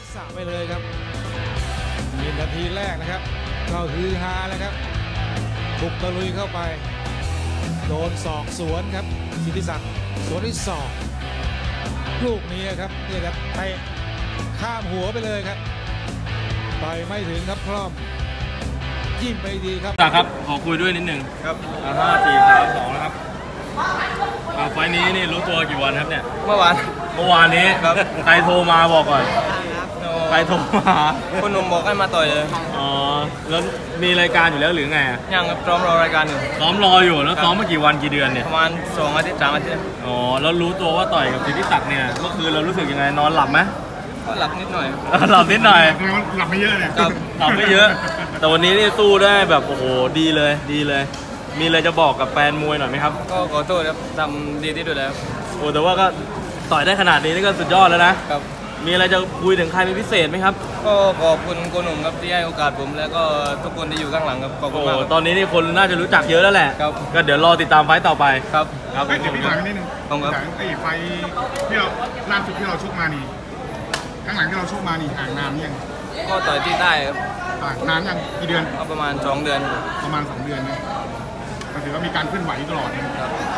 ษะไปเลยครับมีนาทีแรกนะครับก็ฮือฮาแล้วครับบุกตะลุยเข้าไปโดนศอกสวนครับสิทธิศักดิ์สวนที่ศอกลูกนี้ครับนี่ครับเตะข้ามหัวไปเลยครับไปไม่ถึงครับคล่อมยิ้มไปดีครับครับขอคุยด้วยนิดหนึ่งครับ 5-4-3-2นะครับไฟนี้นี่รู้ตัวกี่วันครับเนี่ยเมื่อวานนี้ครับใครโทรมาบอกก่อนใครโทรมาคุณหนุ่มบอกให้มาต่อยเลยอ๋อแล้วมีรายการอยู่แล้วหรือไงยังซ้อมรอรายการอยู่ซ้อมรออยู่แล้วซ้อมมากี่วันกี่เดือนเนี่ยประมาณ2 อาทิตย์3 อาทิตย์อ๋อแล้วรู้ตัวว่าต่อยกับสิทธิศักดิ์เนี่ยเมื่อคืนเรารู้สึกยังไงนอนหลับไหมก็หลับนิดหน่อยหลับนิดหน่อยหลับไม่เยอะเนี่ยหลับไม่เยอะแต่วันนี้นี่สู้ได้แบบโอ้โหดีเลยมีอะไรจะบอกกับแฟนมวยหน่อยไหมครับก็ขอโทษครับทำดีที่สุดแล้วโอ้แต่ว่าก็ต่อยได้ขนาดนี้นี่ก็สุดยอดแล้วนะครับมีอะไรจะคุยถึงใครเป็นพิเศษไหมครับก็ขอบคุณโกหนุ่มครับที่ให้โอกาสผมแล้วก็ทุกคนที่อยู่ข้างหลังครับขอบคุณมากตอนนี้นี่คนน่าจะรู้จักเยอะแล้วแหละก็เดี๋ยวรอติดตามไฟต์ต่อไปครับเดี๋ยวพี่ถามนิดนึงไอ้ไฟที่เราล่าสุดที่เราชกมานี่ข้างหลังที่เราชกมานี่ห่างนานยังก็ต่อยที่ใต้ครับนานยังกี่เดือนประมาณ2 เดือนประมาณ2 เดือนนะก็ถือว่ามีการเคลื่อนไหวตลอดนะครับ